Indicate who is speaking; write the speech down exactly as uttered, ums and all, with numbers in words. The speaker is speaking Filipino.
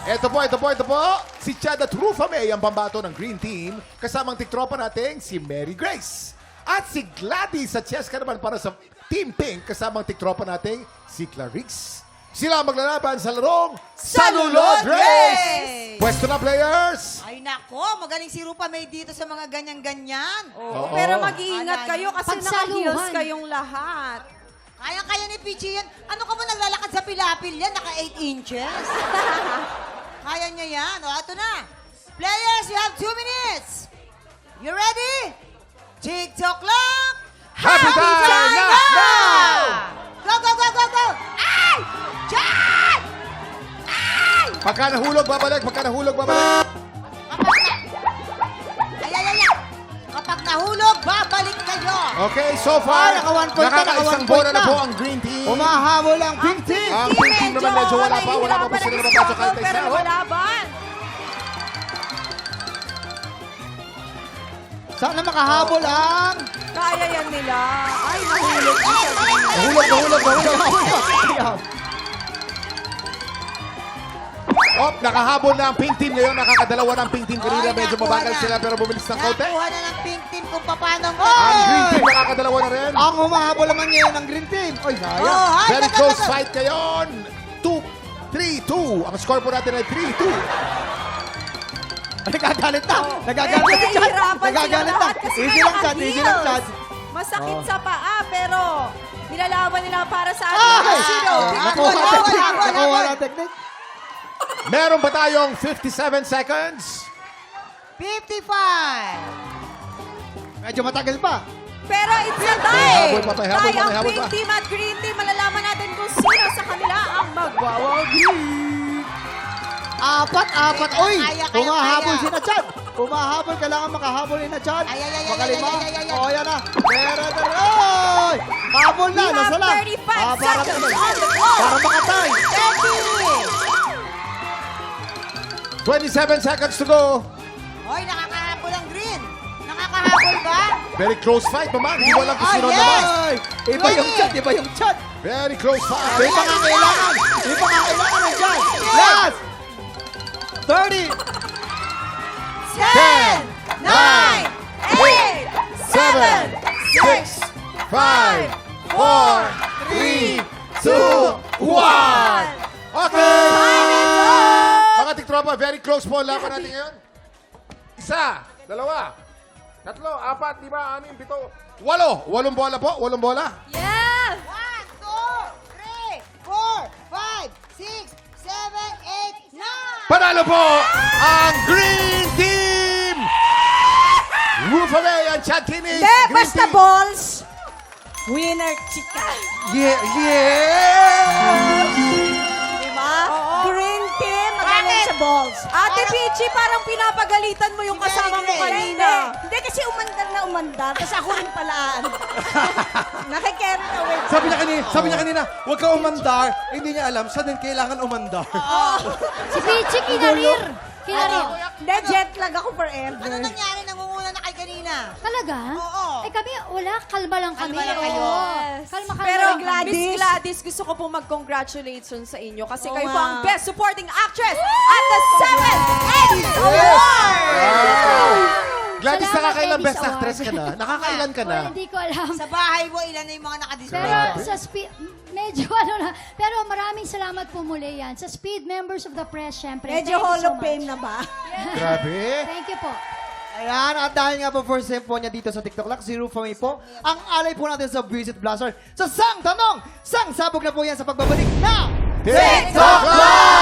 Speaker 1: Ito po, ito po, ito po. Si Chad at Rufa May ang pambato ng Green Team. Kasamang tiktropa natin si Mary Grace. At si Gladys at Cheska naman para sa Team Pink. Kasamang tiktropa natin si Clarice. Sila ang maglalaban sa larong Salulod Race! Pwesto na, players!
Speaker 2: Ay nako, magaling si Rupa May dito sa mga ganyan-ganyan.
Speaker 1: Oo.
Speaker 3: Pero mag-iingat
Speaker 2: Alala.
Speaker 3: kayo kasi
Speaker 4: Pagsaluhan.
Speaker 3: naka-heels kayong lahat.
Speaker 2: Kaya-kaya ni Pichi yan. Ano ka ba naglalakad sa pilapil yan? Naka eight inches. Kaya niya yan. O, ito na. Players, you have two minutes. You ready? TikTok clock.
Speaker 1: Happy time now!
Speaker 2: Go, go, go, go, go! Ay! Diyan! Ay!
Speaker 1: Pagka nahulog, babalik. Pagka nahulog, babalik.
Speaker 2: Kapag na... Ay, ay, ay, ay. Kapag nahulog, babalik kayo.
Speaker 1: Okay, so far,
Speaker 5: Ay, naka one point na, naka
Speaker 1: nakakaisang
Speaker 5: one
Speaker 1: bola
Speaker 5: point
Speaker 1: na
Speaker 5: na.
Speaker 1: po ang Green Team.
Speaker 5: Umahabol ang Pink Team.
Speaker 1: Ang Pink Team naman medyo wala pa. Wala pa po sila napapasok kahit
Speaker 3: Pero
Speaker 1: isa.
Speaker 3: lumalaban.
Speaker 5: Sana makahabol ang...
Speaker 3: Kaya yan nila. Ay, nahulog na siya.
Speaker 1: Nahulog, nahulog, nahulog. Op, nakahabol na ang Pink Team ngayon. Nakakadalawa na ang Pink Team. Kanina
Speaker 2: Ay,
Speaker 1: medyo
Speaker 2: nakuha
Speaker 1: mabagal
Speaker 2: na.
Speaker 1: sila pero bumilis ng kaunti.
Speaker 2: Nakuha na ng Pink Team kung paano mo.
Speaker 1: Ang Green Team nakakadalawa na rin.
Speaker 5: Ang humahabol naman ngayon ng Green Team. Oy, sayang.
Speaker 2: Oh, ay,
Speaker 1: Very
Speaker 2: taga-
Speaker 1: close
Speaker 2: taga-
Speaker 1: fight ngayon. two three two. Ang score po natin ay three two.
Speaker 5: Nagagalit na.
Speaker 3: Eh,
Speaker 5: Nagagalit na si Chad.
Speaker 3: nahihirapan sila
Speaker 5: Nagagalit na.
Speaker 3: lahat kasi
Speaker 5: Easy lang, Chad.
Speaker 3: naka-heels.
Speaker 5: Easy lang, Chad.
Speaker 3: Masakit
Speaker 5: Oh.
Speaker 3: sa paa, pero nilalaban nila para sa
Speaker 5: Ay!
Speaker 3: ating sino.
Speaker 5: Nakuha
Speaker 2: Habol,
Speaker 5: na
Speaker 2: habol,
Speaker 5: technique.
Speaker 2: habol,
Speaker 5: Nakuha
Speaker 2: habol.
Speaker 5: na technique.
Speaker 1: Meron ba tayong fifty-seven seconds?
Speaker 2: fifty-five.
Speaker 5: Medyo matagal pa.
Speaker 3: Pero it's a tie.
Speaker 1: May habol pa, may habol
Speaker 3: Tie
Speaker 1: pa,
Speaker 3: ang
Speaker 1: may habol
Speaker 3: Pink
Speaker 1: pa.
Speaker 3: Team at Green Team. Malalaman natin kung sino sa kanila ang magwawagi.
Speaker 5: Apat, apat. Oy,
Speaker 2: Kaya, kaya,
Speaker 5: humahabol
Speaker 2: kaya.
Speaker 5: si na Chad. Humahabol. Kailangan makahabol ni na Chad.
Speaker 2: Ay, ay, ay, ay,
Speaker 5: Makalima.
Speaker 2: ay, ay, ay, ay.
Speaker 5: O, yan na. Pero, oy! Habol na.
Speaker 3: We have
Speaker 5: Nasa lang.
Speaker 3: thirty-five
Speaker 5: Ah, para-
Speaker 3: seconds on the clock.
Speaker 5: Para makatay.
Speaker 2: thirty.
Speaker 1: twenty-seven seconds to go.
Speaker 2: Hoy, nakakahabol ang green. Nakakahabol ba?
Speaker 1: Very close fight naman. Hindi mo alam kung
Speaker 2: Ah,
Speaker 1: sino
Speaker 2: yes.
Speaker 1: naman.
Speaker 5: Ay, iba yung
Speaker 2: Ready?
Speaker 5: Chad. Iba yung Chad.
Speaker 1: Very close fight.
Speaker 5: May pangangailangan. May pangangailangan ng Chad. Last. thirty.
Speaker 3: Ten, nine, eight, seven,
Speaker 1: six, five, four, three, two, one. Okay! Mga tiktropa, very close po ang laban natin ngayon. Isa, dalawa, tatlo, apat, lima, anim, pito, walo. Walong bola po, walong bola.
Speaker 3: Yeah!
Speaker 2: One, two, three, four, five, six, seven, eight, nine.
Speaker 1: Panalo po ang Green Team! Rufa May and Chad Kinney.
Speaker 3: Hindi, basta balls. Winner, chika.
Speaker 5: Yeah, yeah!
Speaker 3: Diba? Green team, magaling sa balls. Ate Peachy, parang pinapagalitan mo yung
Speaker 2: Si
Speaker 3: kasama mo
Speaker 2: Mary Grace.
Speaker 3: kanina.
Speaker 4: Hindi kasi umandar na umandar, tapos ako rin palaan. Nakikerry away.
Speaker 6: Sabi niya kanina, sabi niya kanina, huwag ka umandar. Eh, hindi niya alam, saan din kailangan umandar.
Speaker 4: Si Pichi, kinarir. Kinarir.
Speaker 3: Hindi, jet lag ako forever.
Speaker 2: Ano nangyari? Nangunguna na kay kanina.
Speaker 4: Talaga?
Speaker 2: Oo.
Speaker 4: Eh kami, wala, kalma lang kami.
Speaker 2: Kalma lang kayo.
Speaker 4: Oo.
Speaker 3: Yes.
Speaker 4: Kalma, kalma
Speaker 3: Pero
Speaker 4: lang kami.
Speaker 3: Gladys, Gladys, gusto ko pong mag-congratulations sa inyo kasi
Speaker 2: Oo
Speaker 3: kayo
Speaker 2: nga.
Speaker 3: po ang Best Supporting Actress at the seventh Eddie's Award!
Speaker 1: Wow! Gladys,
Speaker 4: Salamat,
Speaker 1: nakakailan
Speaker 4: Eddie's
Speaker 1: best actress ka na? Nakakailan ka na?
Speaker 4: Oh, hindi ko alam.
Speaker 2: Sa bahay mo, ilan na yung mga nakadisplay?
Speaker 4: Pero sa speed, medyo ano na. Pero maraming salamat po muli yan. Sa speed members of the press, syempre.
Speaker 3: Medyo
Speaker 4: thank you
Speaker 3: Hall
Speaker 4: so
Speaker 3: of Fame
Speaker 4: much.
Speaker 3: na ba?
Speaker 1: Grabe.
Speaker 4: Thank you po.
Speaker 5: Ayan, at dahil nga po first time po niya dito sa TikTok Lock, si Rufa May po, ang alay po natin sa Visit Blaster. Sa sang tanong, sang sabog na po yan sa pagbabalik na
Speaker 1: TikTok Live!